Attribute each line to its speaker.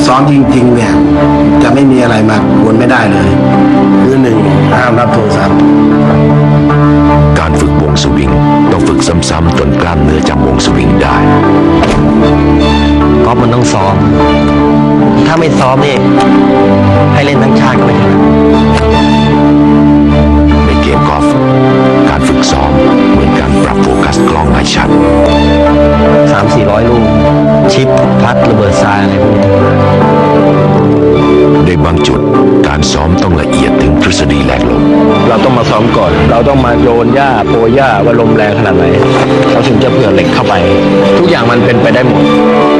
Speaker 1: ซ้อมจริงๆเนี่ยจะไม่มีอะไรมากวนไม่ได้เลยคือหนึ่งห้ามรับโทรศัพท์
Speaker 2: การฝึกวงสวิงต้องฝึกซ้ำๆจนกล้ามเนื้อจำวงสวิงได้
Speaker 3: กอล์ฟมันต้องซ้อมถ้าไม่ซ้อมนี่ให้เล่นทั้งชาติก็ไม่ถนัด
Speaker 2: ในเกมกอล์ฟการฝึกซ้อมเหมือนการปรับโฟกัสกล้องให้ชัด
Speaker 3: 300-400 ลูกชิปพัดระเบิดทรายอะไรพวกนี้
Speaker 2: ในบางจุดการซ้อมต้องละเอียดถึงทฤษฎีแรงลม
Speaker 3: เราต้องมาซ้อมก่อนเราต้องมาโยนหญ้าโปรยหญ้าว่าลมแรงขนาดไหนเราถึงจะเผื่อเหล็กเข้าไปทุกอย่างมันเป็นไปได้หมด